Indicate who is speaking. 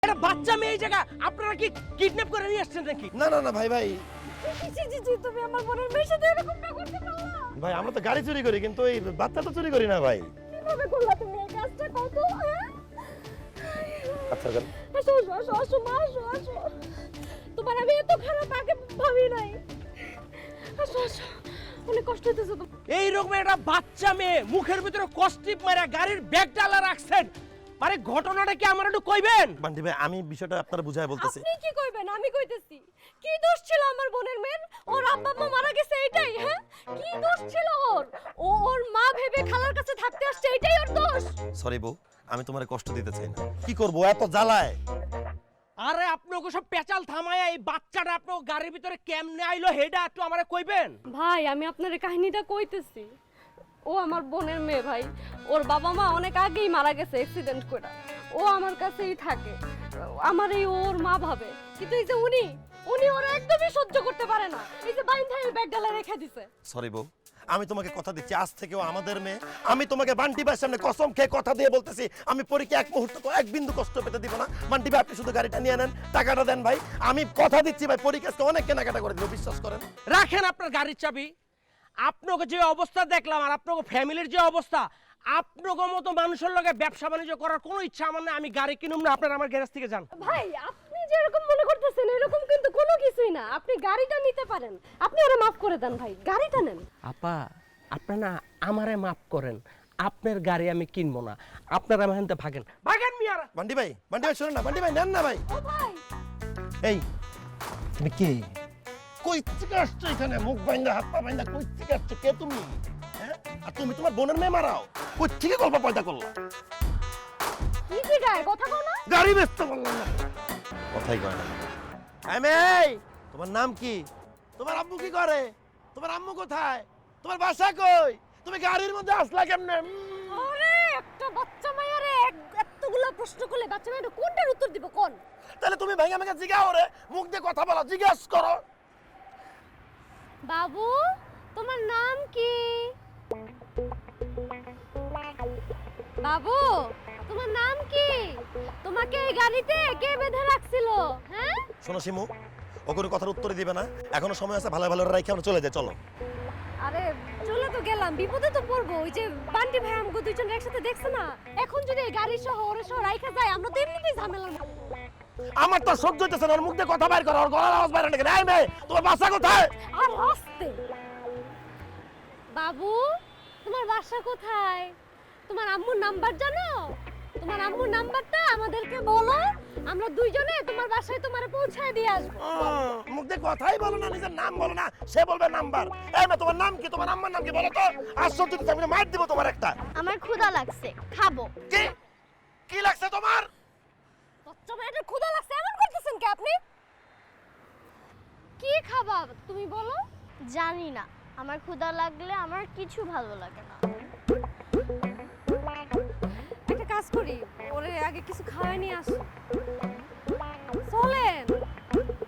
Speaker 1: এটা বাচ্চা মেয়ে জায়গা আপনারা কি কিডন্যাপ করে নিয়ে আসছেন নাকি?
Speaker 2: না না না ভাই ভাই
Speaker 3: জি তুমি আমার বোনের মেয়ের সাথে এরকমটা করতে পারলা?
Speaker 2: ভাই আমরা তো গাড়ি চুরি করি কিন্তু এই বাচ্চা তো চুরি করি না ভাই।
Speaker 3: কিভাবে করলা তুমি এই কাজটা? কত
Speaker 2: আচ্ছা যান।
Speaker 3: আসো আসো আসো আসো মা আসো আসো। তোমার আমি এত খারাপ আগে ভাবি নাই। আসো আসো, অনেক কষ্ট হইতেছে তো।
Speaker 1: এই রকম একটা বাচ্চা মেয়ে মুখের ভিতরে কষ্টিপ মারা গাড়ির ব্যাগ ডালা রাখছেন, মানে ঘটনাটা কি আমার একটু কইবেন?
Speaker 2: বান্টি ভাই আমি বিষয়টা আপনারা বুঝায় বলতেছি।
Speaker 3: আপনি কি কইবেন? আমি কইতেছি। কি দোষ ছিল আমার বোনের মেয়ের? ওর আব্বা আম্মা মারা গেছে এইটাই, হ্যাঁ? কি দোষ ছিল ওর? ও ওর মা ভেবে খালার কাছে থাকতে আসছে, এইটাই ওর দোষ।
Speaker 2: সরি বউ, আমি তোমারে কষ্ট দিতে চাই না। কি করব এত জ্বালায়?
Speaker 1: আরে আপনাকে সব পেঁচাল থামায়া এই বাচ্চাটা আপনার গাড়ির ভিতরে কেমনে আইলো হেডা একটু আমারে কইবেন?
Speaker 3: ভাই আমি আপনার কাহিনীটা কইতেছি। ও আমার বোনের মেয়ে ভাই। ওর বাবা মা অনেক আগেই মারা গেছে অ্যাক্সিডেন্ট করে। ও আমার কাছেই থাকে। আমার এই ওর মা ভাবে। কিন্তু এই যে উনি ওরা একদমই সহ্য করতে পারে না। এই যে বাইন্ধা এই ব্যাগ ডালা রেখে দিছে।
Speaker 2: সরি বউ, আমি তোমাকে কথা দিচ্ছি আজ থেকেও আমাদের মেয়ে। আমি তোমাকে বান্টি ভাইয়ের সামনে কসম খেয়ে কথা দিয়ে বলতেছি আমি পরীক্ষা এক মুহূর্ত এক বিন্দু কষ্ট পেতে দিব না। বান্টি ভাই আপনি শুধু গাড়িটা নিয়ে নেন, টাকাটা দেন ভাই। আমি কথা দিচ্ছি ভাই পরীক্ষাকে অনেক কেনাকাটা করে দিব, বিশ্বাস করেন।
Speaker 1: রাখেন আপনার গাড়ির চাবি। আপনাকে যে অবস্থা দেখলাম আর আপনাকে ফ্যামিলির যে অবস্থা, আপনাকে মতো মানুষের লগে ব্যবসা বাণিজ্য করার কোনো ইচ্ছা আমার নেই। আমি গাড়ি কিনুম না, আপনারা আমার গ্যারেজ থেকে যান।
Speaker 3: ভাই আপনি যে এরকম মনে করতেছেন এরকম কিন্তু কোনো কিছুই না। আপনি গাড়িটা নিতে পারেন। আপনি ওরে মাফ করে দেন ভাই, গাড়িটা নেন।
Speaker 1: আপা আপনারা না আমারে মাফ করেন, আপনার গাড়ি আমি কিনবো না। আপনারা আমার হাতে ভাগেন ভাগেন মিয়ারা।
Speaker 2: বান্টি ভাই শুনুন না, বান্টি ভাই নেন না ভাই।
Speaker 3: ও ভাই
Speaker 2: এই তুমি কে? কই থেকে আসছো এখানে? মুখ বাইন্দা হাত পা বাইন্দা কই থেকে আসছো? কে তুমি? হ্যাঁ, আর তুমি তোমার বোনের মেয়ে মারাও? কই থেকে গল্প পয়দা করলা?
Speaker 3: কি জিগায় কথা কও না?
Speaker 2: গাড়ি ব্যস্ত করলাম না, কথাই কয় না। এই তোমার নাম কি? তোমার আব্বু কি করে? তোমার আম্মু কোথায়? তোমার বাসা কই? তুমি গাড়ির মধ্যে আসলা কেমনে?
Speaker 3: আরে একটা বাচ্চা মাইয়ারে এতগুলা প্রশ্ন করলে বাচ্চা মাইয়াটা কোনটার উত্তর দিব কোন?
Speaker 2: তাহলে তুমি ভাইয়া আমাকে জিগাও রে, মুখ দিয়ে কথা বলো, জিজ্ঞাসা করো।
Speaker 3: বাবু তোমার নাম কি? বাবু তোমার নাম কি? তোমাকে এই গাড়িতে কে বেঁধে রাখছিল? হ্যাঁ
Speaker 2: শোনো শিমু, ও কোনো কথার উত্তর দিবে না। এখনো সময় আছে, ভালো ভালো রাইখে আমরা চলে যাই, চলো।
Speaker 3: আরে চলে তো গেলাম, বিপদে তো পড়বো। ওই যে বান্টি ভাই আমাকে দুইজন একসাথে দেখছে না, এখন যদি এই গাড়ি সহ ওরে সহ রাইখা যায় আমরা তো এমনিতেই ঝামেলার মধ্যে।
Speaker 2: আমার তো সহ্য হইতেছে না, ওর মুখ দিয়ে কথা বাইর করো, ওর গলার আওয়াজ বাইরে নাকি? এই মেয়ে তোমার বাসা কোথায়?
Speaker 3: আর আস্তে। বাবু তোমার বাসা কোথায়? তোমার আম্মুর নাম্বার জানো? তোমার আম্মুর নাম্বারটা আমাদেরকে বলো, আমরা দুইজনে তোমার বাসায় তোমারে পৌঁছায় দিয়ে আসবো।
Speaker 2: মুখ দিয়ে কথাই বলো না, নিজের নাম বলো না, সে বলবে নাম্বার। এই মেয়ে তোমার নাম কি? তোমার আম্মার নাম কি বলো তো? আশ্চর্য তো, আমি মার দিব তোমার একটা।
Speaker 3: আমার ক্ষুধা লাগছে, খাবো।
Speaker 2: কি কি লাগছে তোমার?
Speaker 3: বাচ্চা মেয়েটার ক্ষুধা লাগছে এমন করতেছেন কি আপনি? কি খাবা তুমি বলো?
Speaker 4: জানি না, আমার ক্ষুধা লাগলে আমার কিছু ভালো লাগে না।
Speaker 3: একটা কাজ করি, ওরে আগে কিছু খাওয়াই নিয়ে আসি।